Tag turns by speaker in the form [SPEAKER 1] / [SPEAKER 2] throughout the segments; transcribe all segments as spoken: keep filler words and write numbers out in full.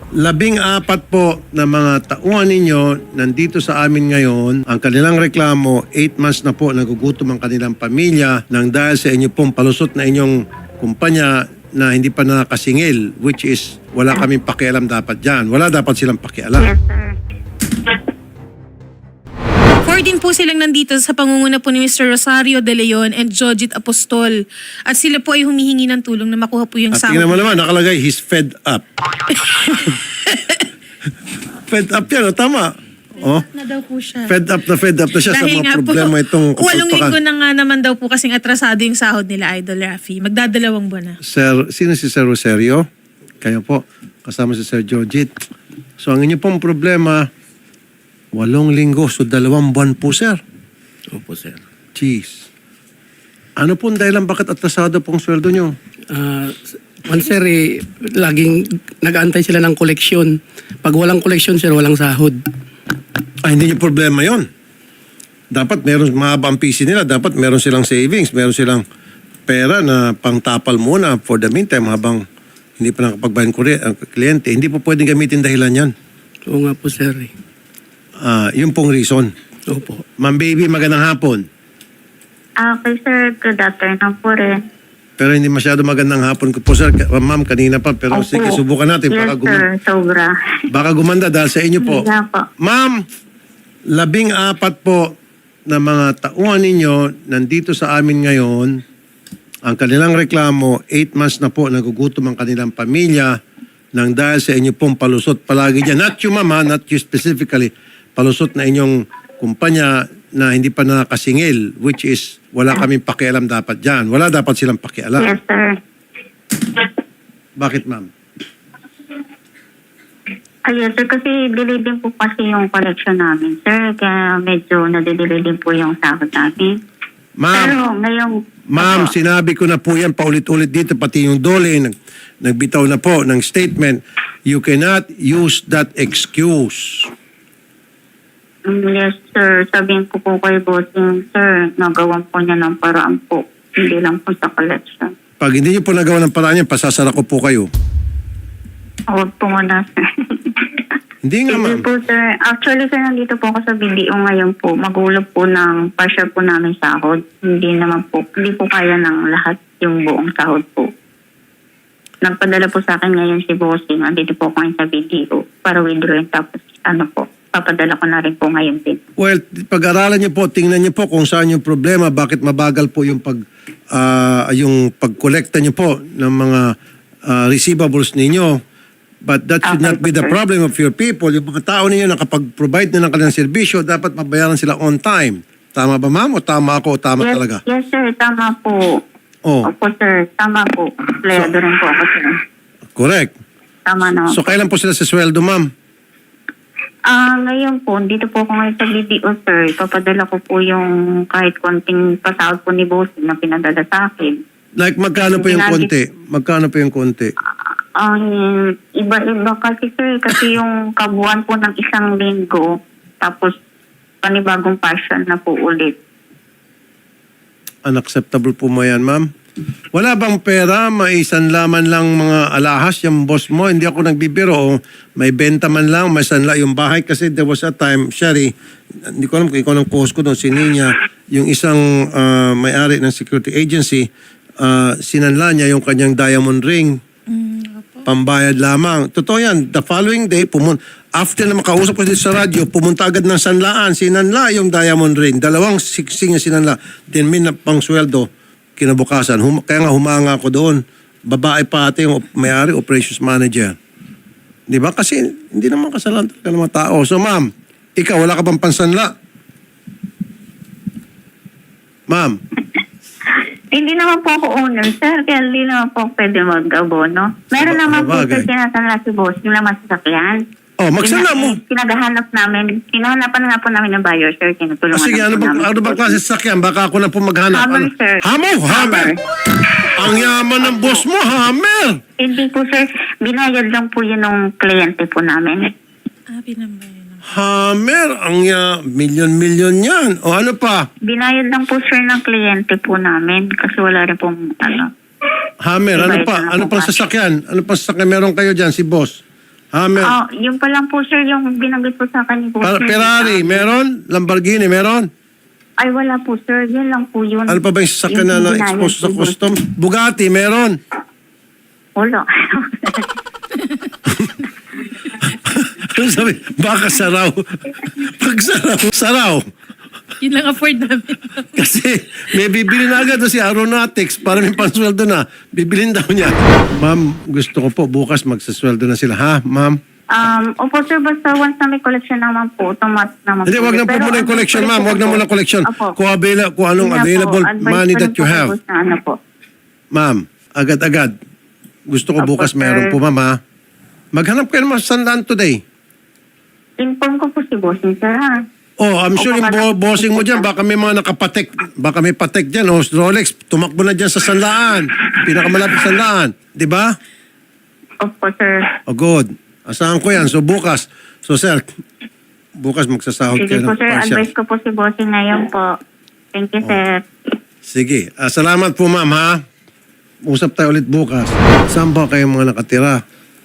[SPEAKER 1] Labing apat po na mga tauhan ninyo nandito sa amin ngayon. Ang kanilang reklamo, eight months na po nagugutom ang kanilang pamilya nang dahil sa inyo pong palusot na inyong kumpanya na hindi pa nakasingil, which is wala kaming pakialam dapat dyan. Wala dapat silang pakialam.
[SPEAKER 2] Yes, sir.
[SPEAKER 3] Four din po silang nandito sa pangunguna po ni Mister Rosario De Leon and Jojit Apostol. At sila po ay humihingi ng tulong na makuha po yung
[SPEAKER 1] At
[SPEAKER 3] sahod.
[SPEAKER 1] tingnan mo naman, nakalagay, he's fed up. Fed up yan, o tama. Oh.
[SPEAKER 3] Na daw po siya.
[SPEAKER 1] Fed up na fed up na siya sa
[SPEAKER 3] Dahil
[SPEAKER 1] mga
[SPEAKER 3] nga
[SPEAKER 1] problema
[SPEAKER 3] po,
[SPEAKER 1] itong
[SPEAKER 3] walong linggo
[SPEAKER 1] kapagpakan.
[SPEAKER 3] na nga naman daw po kasing atrasado yung sahod nila, Idol Rafi. Magdadalawang buwan na.
[SPEAKER 1] Sir, sino si Sir Rosario? Kayo po, kasama si Sir Jojit. So ang inyo pong problema, walong linggo, so dalawang buwan po, sir.
[SPEAKER 4] Opo, sir.
[SPEAKER 1] Jeez. Ano pong dahilan bakit atrasado pong sweldo nyo?
[SPEAKER 4] Ah, one, sir, eh, laging nag-aantay sila ng koleksyon. Pag walang koleksyon, sir, walang sahod.
[SPEAKER 1] Ay, hindi nyo problema yon. Dapat meron, mahaba ang P C nila, dapat meron silang savings, meron silang pera na pangtapal muna for the meantime habang hindi pa nakapagbayan kuri- ang kliyente. Hindi po pwedeng gamitin dahilan yan.
[SPEAKER 4] Oo nga po, sir. eh.
[SPEAKER 1] Ah, yun pong reason.
[SPEAKER 4] Opo.
[SPEAKER 1] Ma'am baby, magandang hapon.
[SPEAKER 2] Ah, okay, sir. Good afternoon po rin.
[SPEAKER 1] Pero hindi masyado magandang hapon ko po, sir. Ka- Ma'am, kanina pa. Pero
[SPEAKER 2] Opo.
[SPEAKER 1] sige, subukan natin.
[SPEAKER 2] Yes,
[SPEAKER 1] Baka,
[SPEAKER 2] sir.
[SPEAKER 1] guman-
[SPEAKER 2] Sobra.
[SPEAKER 1] baka gumanda dahil sa inyo po.
[SPEAKER 2] Hindi po.
[SPEAKER 1] Ma'am, labing apat po na mga tauhan ninyo nandito sa amin ngayon. Ang kanilang reklamo, eight months na po nagugutom ang kanilang pamilya nang dahil sa inyo pong palusot palagi dyan. Not you, ma'am, ha? Not you specifically. Palusot na inyong kumpanya na hindi pa nakasingil, which is wala kaming pakialam dapat dyan. Wala dapat silang pakialam.
[SPEAKER 2] Yes, sir.
[SPEAKER 1] Bakit, ma'am?
[SPEAKER 2] Ayun, sir. Kasi delay din po kasi yung collection namin, sir. Kaya medyo nade-delay din po yung sahod namin.
[SPEAKER 1] Ma'am,
[SPEAKER 2] Pero ngayong...
[SPEAKER 1] Ma'am,
[SPEAKER 2] Opo.
[SPEAKER 1] sinabi ko na po yan paulit-ulit dito, pati yung Dole, nag, nagbitaw na po ng statement. You cannot use that excuse.
[SPEAKER 2] Mm, Yes, sir. Sabihin ko po kay bossing, sir, nagawan po niya ng paraan po. Hindi lang po sa collection.
[SPEAKER 1] Pag hindi niyo po nagawa ng paraan yan, pasasara ko po kayo.
[SPEAKER 2] Huwag po muna, sir.
[SPEAKER 1] Hindi nga,
[SPEAKER 2] Hindi
[SPEAKER 1] ma'am.
[SPEAKER 2] po, sir. Actually, sir, nandito po ako sa B D O ngayon po. Magulog po ng partial po namin sahod. Hindi naman po, hindi po kaya ng lahat yung buong sahod po. Nagpadala po sa akin ngayon si Bossing. Nandito po ako ngayon sa B D O para withdrawing. Tapos, ano po, papadala ko na rin po ngayon din.
[SPEAKER 1] Well, pag-aralan niyo po, tingnan niyo po kung saan yung problema, bakit mabagal po yung pag ah, yung pag-collecta niyo po ng mga ah, receivables ninyo. But that should not be the problem of your people. Yung mga tao ninyo nakapag-provide na ng kanilang serbisyo, dapat mabayaran sila on time. Tama ba, ma'am? O tama ako o tama
[SPEAKER 2] Yes,
[SPEAKER 1] talaga?
[SPEAKER 2] yes, sir. Tama po.
[SPEAKER 1] Oh,
[SPEAKER 2] Opo, sir. Tama po. Playado rin po ako, sir.
[SPEAKER 1] correct.
[SPEAKER 2] Tama na.
[SPEAKER 1] So, kailan po sila sa sweldo, ma'am?
[SPEAKER 2] Ah, ngayon po, dito po ako ngayon sa B D O, sir. Papadala ko po yung kahit konting pasahod po ni Bossing na pinadala sa akin.
[SPEAKER 1] Like, magkano po yung konti? Magkano po yung konti?
[SPEAKER 2] Ang iba-iba kasi, sir, kasi yung kabuuan po ng isang linggo, tapos panibagong passion na po ulit.
[SPEAKER 1] Unacceptable po mo yan, ma'am. Wala bang pera, maisanlaman lang mga alahas yung boss mo? Hindi ako nagbibiro. O may benta man lang, may sanla yung bahay. Kasi there was a time, Sherry, hindi ko alam kung ikaw ng post ko doon, si Ninya, yung isang ah, may-ari ng security agency, ah, sinanla niya yung kanyang diamond ring. Pambayad lamang. Totoo yan. The following day, pumun after na makausap ko dito sa radyo, pumunta agad ng sanlaan. Sinanla yung diamond ring. Dalawang siksing niya sinanla. Then min na pang sweldo kinabukasan. Hum kaya nga humanga ako doon. Babae pa ate yung may-ari, operations manager. Di ba? Kasi hindi naman kasalanan talaga ng mga tao. So ma'am, ikaw wala ka bang pansanla? Ma'am,
[SPEAKER 2] Hindi naman po ako owner, sir, kaya hindi naman po pwede mag-abono. Meron
[SPEAKER 1] Sa-
[SPEAKER 2] naman po,
[SPEAKER 1] sabagay.
[SPEAKER 2] sir, sinasanla si Bossing naman sa sakyan.
[SPEAKER 1] oh, magsanla mo.
[SPEAKER 2] Pinagahanap namin, pinahanapan nga po namin ng buyer, sir. Tinutulungan
[SPEAKER 1] Ah, sige,
[SPEAKER 2] lang
[SPEAKER 1] ano
[SPEAKER 2] po
[SPEAKER 1] bang,
[SPEAKER 2] namin
[SPEAKER 1] ano
[SPEAKER 2] si
[SPEAKER 1] bang klase
[SPEAKER 2] Bossing.
[SPEAKER 1] sasakyan? Baka ako na po maghanap.
[SPEAKER 2] Hammer,
[SPEAKER 1] Ano?
[SPEAKER 2] sir.
[SPEAKER 1] Hammer? Hammer? Ang yaman ng boss mo, Hammer!
[SPEAKER 2] Hindi po, sir. Binayad lang po yun ng kliyente po namin.
[SPEAKER 3] Ah, pinambayan.
[SPEAKER 1] Hammer, ang ya, milyon-milyon yan. O ano pa?
[SPEAKER 2] Binayad lang po, sir, ng kliyente po namin kasi wala rin pong, ano,
[SPEAKER 1] Hammer, ano
[SPEAKER 2] Iba,
[SPEAKER 1] pa?
[SPEAKER 2] ito na
[SPEAKER 1] Ano
[SPEAKER 2] po,
[SPEAKER 1] pang
[SPEAKER 2] Pat.
[SPEAKER 1] sasakyan? Ano pang sasakyan meron kayo dyan, si boss? Ha, mer-
[SPEAKER 2] Ah, yung pa lang po, sir, yung binanggit po sa akin ni
[SPEAKER 1] Par-
[SPEAKER 2] Bossing.
[SPEAKER 1] Ferrari,
[SPEAKER 2] Ah,
[SPEAKER 1] meron? Lamborghini, meron?
[SPEAKER 2] Ay, wala po, sir. Yan lang po yun.
[SPEAKER 1] Ano pa ba yung sasakyan na
[SPEAKER 2] Yung
[SPEAKER 1] na-expose sa
[SPEAKER 2] binayad po,
[SPEAKER 1] custom? Bugatti, meron?
[SPEAKER 2] Wala.
[SPEAKER 1] Ano sabi? Baka saraw. Pag saraw, saraw.
[SPEAKER 3] Yun lang afford namin.
[SPEAKER 1] Kasi may bibili na agad si Aeronautics para may pansweldo na. Bibilin daw niya. Ma'am, gusto ko po bukas magsasweldo na sila. Ha, ma'am?
[SPEAKER 2] Um, opo, sir, basta once na may collection naman po, automatic naman
[SPEAKER 1] Hindi,
[SPEAKER 2] po.
[SPEAKER 1] wag na po
[SPEAKER 2] Pero
[SPEAKER 1] muna yung
[SPEAKER 2] ang
[SPEAKER 1] collection, ma'am. Wag na
[SPEAKER 2] po-
[SPEAKER 1] muna collection.
[SPEAKER 2] Opo.
[SPEAKER 1] Kung, availa- kung anong
[SPEAKER 2] Yun na po,
[SPEAKER 1] available
[SPEAKER 2] advice
[SPEAKER 1] money
[SPEAKER 2] ko
[SPEAKER 1] that
[SPEAKER 2] rin
[SPEAKER 1] you
[SPEAKER 2] po kay
[SPEAKER 1] have.
[SPEAKER 2] boss na ano po.
[SPEAKER 1] Ma'am, agad-agad. Gusto ko
[SPEAKER 2] Opo,
[SPEAKER 1] bukas
[SPEAKER 2] sir.
[SPEAKER 1] meron po, ma'am, ha? Maghanap kayo naman sa sandaan today.
[SPEAKER 2] Inform ko po si bossing, sir, ha?
[SPEAKER 1] Oh, I'm sure
[SPEAKER 2] Opo,
[SPEAKER 1] yung bo-
[SPEAKER 2] madam.
[SPEAKER 1] bossing mo dyan, baka may mga nakapatek, baka may patek dyan, oh, Rolex, tumakbo na dyan sa sanlaan. Pinakamalapit sanlaan. Di ba?
[SPEAKER 2] Opo, sir.
[SPEAKER 1] Oh, good. Asahan ko yan. So, bukas. So, sir, bukas magsasahod
[SPEAKER 2] Sige
[SPEAKER 1] kayo
[SPEAKER 2] po,
[SPEAKER 1] ng
[SPEAKER 2] sir.
[SPEAKER 1] partial.
[SPEAKER 2] Advice ko po si bossing ngayon po. Thank you, sir.
[SPEAKER 1] Sige. Ah, salamat po, ma'am, ha? Usap tayo ulit bukas. Saan po kayo mga nakatira?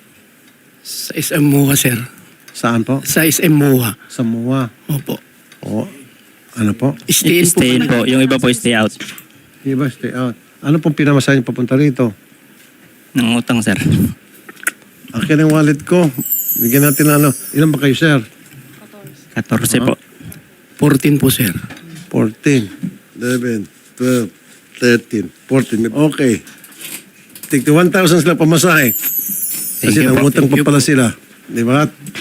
[SPEAKER 4] Sa S M M O A, sir.
[SPEAKER 1] Saan po?
[SPEAKER 4] Sa S M M O A.
[SPEAKER 1] Sa M O A.
[SPEAKER 4] Opo.
[SPEAKER 1] O, ano po?
[SPEAKER 4] Stay in po.
[SPEAKER 5] Stay in po. Yung iba po stay out.
[SPEAKER 1] Iba, stay out. Ano pong pinamasahin niyo papunta rito?
[SPEAKER 5] Ng utang, sir.
[SPEAKER 1] Akin ang wallet ko. Bigyan natin ng ano. Ilan ba kayo, sir?
[SPEAKER 5] fourteen po.
[SPEAKER 4] fourteen po, sir.
[SPEAKER 1] fourteen, eleven, twelve, thirteen, fourteen. Okay. Tigti one thousand sila pamasahe.
[SPEAKER 4] Thank
[SPEAKER 1] Kasi
[SPEAKER 4] you po.
[SPEAKER 1] nangutang
[SPEAKER 4] Thank
[SPEAKER 1] pa
[SPEAKER 4] you
[SPEAKER 1] pala
[SPEAKER 4] po.
[SPEAKER 1] sila. Di ba?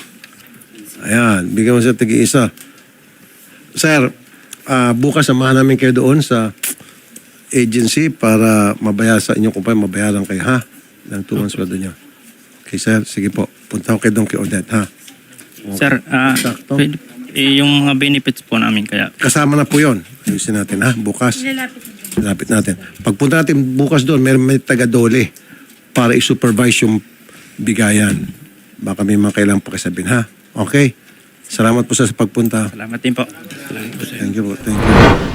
[SPEAKER 1] Ayan. Bigyan mo siya tigi-isa. Sir, ah, bukas samahan namin kayo doon sa agency para mabaya sa inyong kumpanya, mabayaran kayo, ha? Ng two months sweldo niyo. Okay, sir. Sige po. Punta ko kayo doon kay Odette, ha?
[SPEAKER 5] Sir, ah,
[SPEAKER 1] Sakto.
[SPEAKER 5] pwede- eh, yung mga benefits po namin kaya.
[SPEAKER 1] Kasama na po yon. Ayusin natin, ha? Bukas.
[SPEAKER 3] Nilalapit na dyan.
[SPEAKER 1] Lapit natin. Pagpunta natin bukas doon, may, may taga-dole para i-supervise yung bigayan. Baka may mga kailangang pakisabihin, ha? Okay? Salamat po sa pagpunta.
[SPEAKER 5] Salamat din po.
[SPEAKER 1] Thank you po. Thank you.